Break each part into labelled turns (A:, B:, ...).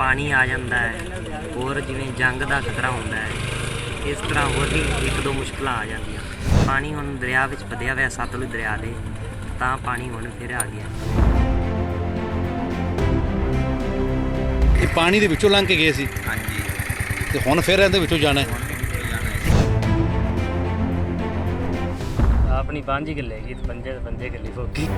A: ਪਾਣੀ ਆ ਜਾਂਦਾ ਹੈ, ਹੋਰ ਜਿਵੇਂ ਜੰਗ ਦਾ ਖਤਰਾ ਹੁੰਦਾ ਹੈ, ਇਸ ਤਰ੍ਹਾਂ ਹੋਰ ਵੀ ਇੱਕ ਦੋ ਮੁਸ਼ਕਲਾਂ ਆ ਜਾਂਦੀਆਂ। ਪਾਣੀ ਹੁਣ ਦਰਿਆ ਵਿੱਚ ਵਧਿਆ ਹੋਇਆ ਸਤਲੁਜ ਦਰਿਆ ਦੇ, ਤਾਂ ਪਾਣੀ ਹੁਣ ਫਿਰ ਆ ਗਿਆ।
B: ਇਹ ਪਾਣੀ ਦੇ ਵਿੱਚੋਂ ਲੰਘ ਕੇ ਗਏ ਸੀ
C: ਹਾਂਜੀ,
B: ਤੇ ਹੁਣ ਫਿਰ ਇਹਦੇ ਵਿੱਚੋਂ ਜਾਣਾ ਹੈ।
A: ਆਪਣੀ 5 ਕਿੱਲੇ ਹੈਗੀ ਤੇ 5 ਕਿੱਲੇ ਫੋਕੀ।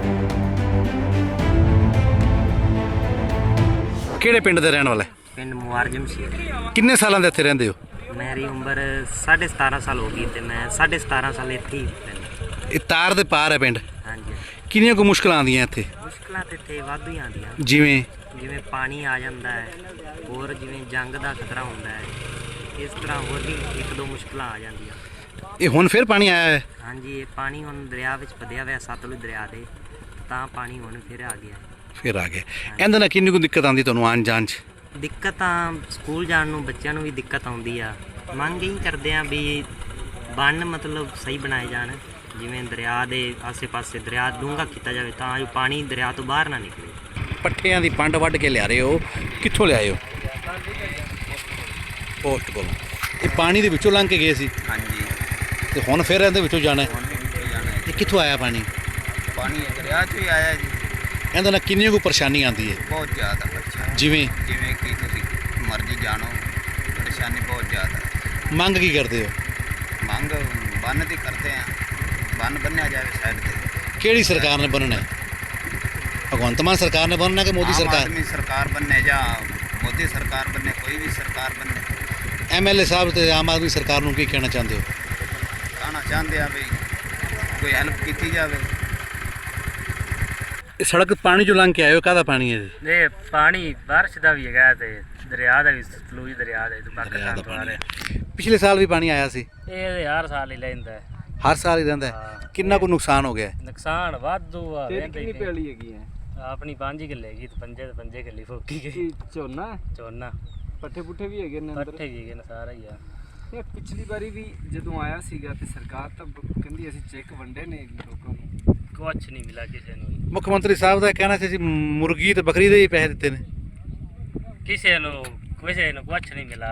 B: ਕਿਹੜੇ ਪਿੰਡ ਦੇ ਰਹਿਣ ਵਾਲੇ?
A: ਪਿੰਡ ਮੁਆਰਜਮ ਸੀ।
B: ਕਿੰਨੇ ਸਾਲਾਂ ਦੇ ਇੱਥੇ ਰਹਿੰਦੇ ਹੋ?
A: ਮੇਰੀ ਉਮਰ 17.5 ਸਾਲ ਹੋ ਗਈ ਤੇ ਮੈਂ 17.5 ਸਾਲ ਇੱਥੇ ਹੀ ਰਹਿੰਦਾ।
B: ਇਹ ਤਾਰ ਦੇ ਪਾਰ ਹੈ ਪਿੰਡ।
A: ਹਾਂਜੀ,
B: ਕਿੰਨੀਆਂ ਕੁ ਮੁਸ਼ਕਲਾਂ ਆਉਂਦੀਆਂ ਇੱਥੇ?
A: ਮੁਸ਼ਕਲਾਂ ਤੇ ਇੱਥੇ ਵਾਧੂ ਹੀ ਆਉਂਦੀਆਂ,
B: ਜਿਵੇਂ
A: ਪਾਣੀ ਆ ਜਾਂਦਾ ਹੈ, ਹੋਰ ਜਿਵੇਂ ਜੰਗ ਦਾ ਖਤਰਾ ਹੁੰਦਾ ਹੈ, ਇਸ ਤਰ੍ਹਾਂ ਹੋਰ ਵੀ ਇੱਕ ਦੋ ਮੁਸ਼ਕਲਾਂ ਆ ਜਾਂਦੀਆਂ।
B: ਇਹ ਹੁਣ ਫਿਰ ਪਾਣੀ ਆਇਆ ਹੈ?
A: ਹਾਂਜੀ, ਇਹ ਪਾਣੀ ਹੁਣ ਦਰਿਆ ਵਿੱਚ ਵਧਿਆ ਹੋਇਆ ਸਤਲੁਜ ਦਰਿਆ ਦੇ, ਤਾਂ ਪਾਣੀ ਹੁਣ ਫਿਰ ਆ ਗਿਆ।
B: ਫਿਰ ਆ ਗਿਆ। ਇਹਦੇ ਨਾਲ ਕਿੰਨੀ ਕੁ ਦਿੱਕਤ ਆਉਂਦੀ ਤੁਹਾਨੂੰ ਆਉਣ ਜਾਣ 'ਚ?
A: ਦਿੱਕਤ ਤਾਂ ਸਕੂਲ ਜਾਣ ਨੂੰ ਬੱਚਿਆਂ ਨੂੰ ਵੀ ਦਿੱਕਤ ਆਉਂਦੀ ਆ। ਮੰਗ ਇਹੀ ਕਰਦੇ ਆ ਵੀ ਬੰਨ ਮਤਲਬ ਸਹੀ ਬਣਾਏ ਜਾਣ, ਜਿਵੇਂ ਦਰਿਆ ਦੇ ਆਸੇ-ਪਾਸੇ ਦਰਿਆ ਡੂੰਘਾ ਕੀਤਾ ਜਾਵੇ ਤਾਂ ਜੋ ਪਾਣੀ ਦਰਿਆ ਤੋਂ ਬਾਹਰ ਨਾ ਨਿਕਲੇ।
B: ਪੱਠਿਆਂ ਦੀ ਪੰਡ ਵੱਢ ਕੇ ਲਿਆ ਰਹੇ ਹੋ, ਕਿੱਥੋਂ ਲਿਆਏ ਹੋ? ਪੋਸਟ ਕੋਲੋਂ। ਇਹ ਪਾਣੀ ਦੇ ਵਿੱਚੋਂ ਲੰਘ ਕੇ ਗਏ ਸੀ
C: ਹਾਂਜੀ,
B: ਤੇ ਹੁਣ ਫਿਰ ਇਹਦੇ ਵਿੱਚੋਂ ਜਾਣਾ ਹੈ।
C: ਹੁਣ ਵੀ ਜਾਣਾ ਹੈ।
B: ਇਹ ਕਿੱਥੋਂ ਆਇਆ ਪਾਣੀ?
C: ਪਾਣੀ ਦਰਿਆ 'ਚੋਂ ਹੀ ਆਇਆ ਜੀ।
B: ਇਹਦੇ ਨਾਲ ਕਿੰਨੀ ਕੁ ਪਰੇਸ਼ਾਨੀ ਆਉਂਦੀ ਹੈ?
C: ਬਹੁਤ ਜ਼ਿਆਦਾ ਪਰੇਸ਼ਾਨੀ,
B: ਜਿਵੇਂ
C: ਕਿ ਤੁਸੀਂ ਮਰਜ਼ੀ ਜਾਣੋ, ਪਰੇਸ਼ਾਨੀ ਬਹੁਤ ਜ਼ਿਆਦਾ ਹੈ।
B: ਮੰਗ ਕੀ ਕਰਦੇ ਹੋ?
C: ਮੰਗ ਬੰਨ ਦੀ ਕਰਦੇ ਆ, ਬੰਨ ਬੰਨਿਆ ਜਾਵੇ ਸਾਈਡ ਤੇ।
B: ਕਿਹੜੀ ਸਰਕਾਰ ਨੇ ਬਣਨਾ ਹੈ? ਭਗਵੰਤ ਮਾਨ ਸਰਕਾਰ ਨੇ ਬਣਨਾ ਕਿ ਮੋਦੀ
C: ਆਮ
B: ਸਰਕਾਰ?
C: ਆਦਮੀ ਸਰਕਾਰ ਬੰਨੇ ਜਾਂ ਮੋਦੀ ਸਰਕਾਰ ਬੰਨੇ, ਕੋਈ ਵੀ ਸਰਕਾਰ ਬੰਨੇ।
B: ਐਮਐਲਏ ਸਾਹਿਬ ਤੇ ਆਮ ਆਦਮੀ ਸਰਕਾਰ ਨੂੰ ਕੀ ਕਹਿਣਾ ਚਾਹੁੰਦੇ ਹੋ?
C: ਕਹਿਣਾ ਚਾਹੁੰਦੇ ਆ ਵੀ ਕੋਈ ਹੈਲਪ ਕੀਤੀ ਜਾਵੇ।
B: ਇਹ ਸੜਕ ਪਾਣੀ ਚੋਂ ਲੰਘ ਕੇ ਆਏ ਹੋ, ਕਾਹਦਾ ਪਾਣੀ ਹੈ ਜੀ?
A: ਇਹ ਪਾਣੀ ਬਾਰਿਸ਼ ਦਾ ਵੀ ਹੈਗਾ ਤੇ ਦਰਿਆ ਦਾ ਵੀ, ਸਤਲੁਜ ਦਰਿਆ ਦਾ
B: ਦਰਿਆ ਦਾ ਪਾਣੀ। ਪਿਛਲੇ ਸਾਲ ਵੀ ਪਾਣੀ ਆਇਆ ਸੀ?
A: ਇਹ ਹਰ ਸਾਲ ਹੀ ਲੈਂਦਾ ਹੈ।
B: ਹਰ ਸਾਲ ਹੀ ਰਹਿੰਦਾ ਹੈ।
A: ਹਾਂ।
B: ਕਿੰਨਾ ਕੁ ਨੁਕਸਾਨ ਹੋ ਗਿਆ?
A: ਨੁਕਸਾਨ ਵਾਧੂ ਆ।
D: ਕਿੰਨੀ ਪੈਲੀ ਹੈਗੀ ਹੈ?
A: ਆਪਣੀ 5 ਕਿੱਲੇ ਹੈਗੀ ਤੇ 5 ਕਿੱਲੇ ਫੋਕੀ ਗਈ।
D: ਕੀ ਝੋਨਾ
A: ਝੋਨਾ
D: ਪੱਠੇ ਪੁੱਠੇ ਵੀ ਹੈਗੇ ਨੇ ਅੰਦਰ?
A: ਪੱਠੇ ਵੀ ਹੈਗੇ ਨੇ, ਸਾਰਾ ਹੀ ਆ।
D: ਇਹ ਪਿਛਲੀ ਵਾਰੀ ਵੀ ਜਦੋਂ ਆਇਆ ਸੀਗਾ ਤੇ ਸਰਕਾਰ ਤਾਂ ਕਹਿੰਦੀ ਅਸੀਂ ਚੈੱਕ ਵੰਡੇ ਨੇ ਲੋਕਾਂ ਨੂੰ,
A: ਕੁਛ ਨਹੀਂ ਮਿਲਾ ਕਿਸੇ ਨੂੰ ਵੀ।
B: ਮੁੱਖ ਮੰਤਰੀ ਸਾਹਿਬ ਦਾ ਕਹਿਣਾ ਸੀ ਅਸੀਂ ਮੁਰਗੀ ਤੇ ਬੱਕਰੀ ਦੇ ਹੀ ਪੈਸੇ ਦਿੱਤੇ ਨੇ।
A: ਕਿਸੇ ਨੂੰ ਕੁਛ ਨਹੀਂ ਮਿਲਾ,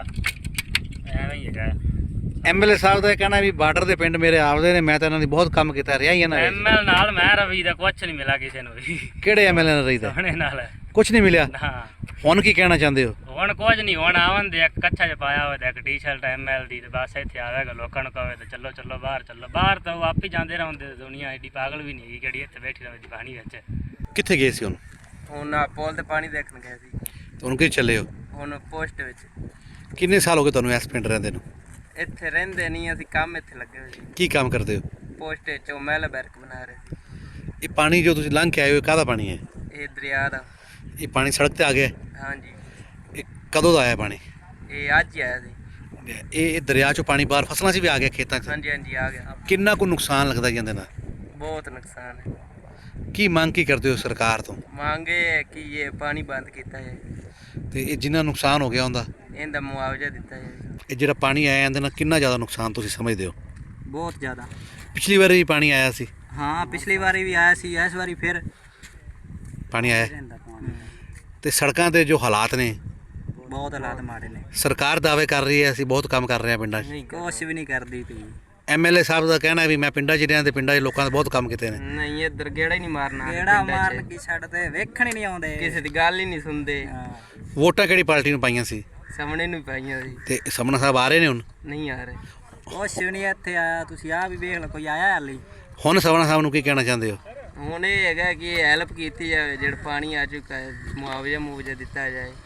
A: ਐਵੇਂ ਹੀ ਹੈਗਾ।
B: ਐਮਐਲਏ ਸਾਹਿਬ ਦਾ ਇਹ ਕਹਿਣਾ ਵੀ ਬਾਰਡਰ ਦੇ ਪਿੰਡ ਮੇਰੇ ਆਪਦੇ ਨੇ, ਮੈਂ ਤਾਂ ਇਹਨਾਂ ਦੀ ਬਹੁਤ ਕੰਮ ਕੀਤਾ, ਰਿਹਾ ਹੀ ਇਹਨਾਂ ਨੇ।
A: ਐਮਐਲ ਨਾਲ ਮੈਂ ਰਵੀ ਦਾ ਕੁਛ ਨਹੀਂ ਮਿਲਾ ਕਿਸੇ ਨੂੰ ਵੀ।
B: ਕਿਹੜੇ ਐਮਐਲਏ ਨਾਲ ਰਹੀਦਾ?
A: ਸੋਹਣੇ ਨਾਲ
B: ਕੁਝ ਨਹੀਂ ਮਿਲਿਆ।
A: ਨਾ,
B: ਹੁਣ ਕੀ ਕਹਿਣਾ ਚਾਹੁੰਦੇ ਹੋ?
A: ਹੁਣ ਕੁਝ ਨਹੀਂ। ਹੁਣ ਆਵਣ ਦੇ ਇੱਕ ਕੱਛਾ ਜਿਹਾ ਪਾਇਆ ਹੋਇਆ ਤੇ ਇੱਕ ਟੀ-ਸ਼ਰਟ ਐਮਐਲ ਦੀ, ਤੇ ਬਸ ਇੱਥੇ ਆਵੇਗਾ ਲੋਕਾਂ ਨੂੰ ਕਹੇ ਤੇ ਚੱਲੋ ਚੱਲੋ ਬਾਹਰ ਚੱਲੋ। ਬਾਹਰ ਤਾਂ ਉਹ ਆਪ ਹੀ ਜਾਂਦੇ ਰਹਿੰਦੇ, ਦੁਨੀਆ ਐਡੀ ਪਾਗਲ ਵੀ ਨਹੀਂ ਹੈਗੀ ਜਿਹੜੀ ਇੱਥੇ ਬੈਠੀ ਰਹੇ ਪਾਣੀ ਵਿੱਚ।
B: ਕਿੱਥੇ ਗਏ ਸੀ ਹੁਣ?
C: ਹੁਣ ਪੋਲ ਤੇ ਪਾਣੀ ਦੇਖਣ ਗਏ ਸੀ।
B: ਤੁਹਾਨੂੰ ਕਿੱਥੇ ਚੱਲੇ ਹੋ?
C: ਹੁਣ ਪੋਸਟ ਵਿੱਚ।
B: ਕਿੰਨੇ ਸਾਲ ਹੋ ਗਏ ਤੁਹਾਨੂੰ ਇਸ ਪਿੰਡ ਰਹਿੰਦੇ ਨੂੰ?
C: ਇੱਥੇ ਰਹਿੰਦੇ ਨਹੀਂ, ਅਸੀਂ ਕੰਮ ਇੱਥੇ ਲੱਗੇ ਹੋਏ ਸੀ।
B: ਕੀ ਕੰਮ ਕਰਦੇ ਹੋ?
C: ਪੋਸਟ 'ਚੋਂ ਮਹਿਲ ਬੈਰਕ ਬਣਾ ਰਹੇ ਸੀ।
B: ਇਹ ਪਾਣੀ ਜੋ ਤੁਸੀਂ ਲੰਘ ਕੇ ਆਏ ਹੋ, ਕਾਹਦਾ ਪਾਣੀ ਹੈ?
C: ਇਹ ਦਰਿਆ ਦਾ।
B: ਇਹ ਪਾਣੀ ਸੜਕ ਤੇ ਆ ਗਿਆ?
C: ਹਾਂਜੀ,
B: ਇਹ ਕਦੋਂ ਦਾ ਆਇਆ ਪਾਣੀ?
C: ਇਹ ਅੱਜ ਹੀ ਆਇਆ ਸੀ।
B: ਇਹ ਦਰਿਆ ਚੋਂ ਪਾਣੀ ਬਾਹਰ ਫਸਲਾਂ 'ਚ ਵੀ ਆ ਗਿਆ, ਖੇਤਾਂ 'ਚ?
C: ਹਾਂਜੀ ਹਾਂਜੀ, ਆ ਗਿਆ।
B: ਕਿੰਨਾ ਕੁ ਨੁਕਸਾਨ ਲੱਗਦਾ ਜੀ ਇਹਦੇ ਨਾਲ?
C: ਬਹੁਤ ਨੁਕਸਾਨ ਹੈ।
B: ਕੀ ਮੰਗ ਕੀ ਕਰਦੇ ਹੋ ਸਰਕਾਰ ਤੋਂ?
C: ਮੰਗੇ ਹੈ ਕਿ ਇਹ ਪਾਣੀ ਬੰਦ ਕੀਤਾ ਜਾਏ,
B: ਤੇ ਇਹ ਜਿੰਨਾ ਨੁਕਸਾਨ ਹੋ ਗਿਆ ਉਹਦਾ
C: ਇਹਦਾ ਮੁਆਵਜ਼ਾ ਦਿੱਤਾ ਜਾਏ।
B: ਇਹ ਜਿਹੜਾ ਪਾਣੀ ਆਇਆ ਇਹਦੇ ਨਾਲ ਕਿੰਨਾ ਜ਼ਿਆਦਾ ਨੁਕਸਾਨ ਤੁਸੀਂ ਸਮਝਦੇ ਹੋ?
A: ਬਹੁਤ ਜ਼ਿਆਦਾ।
B: ਪਿਛਲੀ ਵਾਰੀ ਵੀ ਪਾਣੀ ਆਇਆ ਸੀ?
A: ਹਾਂ, ਪਿਛਲੀ ਵਾਰੀ ਵੀ ਆਇਆ ਸੀ, ਇਸ ਵਾਰੀ ਫਿਰ
B: ਪਾਣੀ ਆਇਆ। ਤੇ ਸੜਕਾਂ ਦੇ ਜੋ ਹਾਲਾਤ ਨੇ,
A: ਬਹੁਤ ਹਾਲਾਤ ਮਾੜੇ ਨੇ।
B: ਸਰਕਾਰ ਦਾਅਵੇ ਕਰ ਰਹੀ ਹੈ ਅਸੀਂ ਬਹੁਤ ਕੰਮ ਕਰ ਰਹੇ ਹਾਂ ਪਿੰਡਾਂ 'ਚ।
A: ਨਹੀਂ, ਕੁਛ ਵੀ ਨਹੀਂ ਕਰਦੀ ਪਈ।
B: ਐਮਐਲਏ ਸਾਹਿਬ ਦਾ ਕਹਿਣਾ ਵੀ ਮੈਂ ਪਿੰਡਾਂ 'ਚ ਰਿਹਾ ਤੇ ਪਿੰਡਾਂ 'ਚ ਲੋਕਾਂ ਦੇ ਬਹੁਤ ਕੰਮ ਕੀਤੇ ਨੇ।
C: ਨਹੀਂ, ਇੱਧਰ ਗੇੜਾ ਹੀ ਨਹੀਂ ਮਾਰਨਾ।
A: ਕਿਹੜਾ ਮਾਰਨ ਕੀ ਛੱਡ ਤੇ ਵੇਖਣ ਹੀ ਨਹੀਂ ਆਉਂਦੇ,
C: ਕਿਸੇ ਦੀ ਗੱਲ ਹੀ ਨਹੀਂ ਸੁਣਦੇ।
B: ਵੋਟਾਂ ਕਿਹੜੀ ਪਾਰਟੀ ਨੂੰ ਪਾਈਆਂ ਸੀ?
C: ਸਾਹਮਣੇ ਨੂੰ ਪਾਈਆਂ ਸੀ।
B: ਤੇ ਸਮਣਾ ਸਾਹਿਬ ਆ ਰਹੇ ਨੇ ਹੁਣ?
C: ਨਹੀਂ ਆ ਰਹੇ।
A: ਕੁਛ ਵੀ ਨਹੀਂ ਇੱਥੇ ਆਇਆ। ਤੁਸੀਂ ਆ ਵੀ ਵੇਖ ਲਓ, ਕੋਈ ਆਇਆ ਹਾਲੇ?
B: ਹੁਣ ਸਮਣਾ ਸਾਹਿਬ ਨੂੰ ਕੀ ਕਹਿਣਾ ਚਾਹੁੰਦੇ ਹੋ?
C: ਹੁਣ ਇਹ ਹੈਗਾ ਕਿ ਹੈਲਪ ਕੀਤੀ ਜਾਵੇ, ਜਿਹੜਾ ਪਾਣੀ ਆ ਚੁੱਕਾ ਹੈ ਮੁਆਵਜ਼ਾ ਦਿੱਤਾ ਜਾਏ।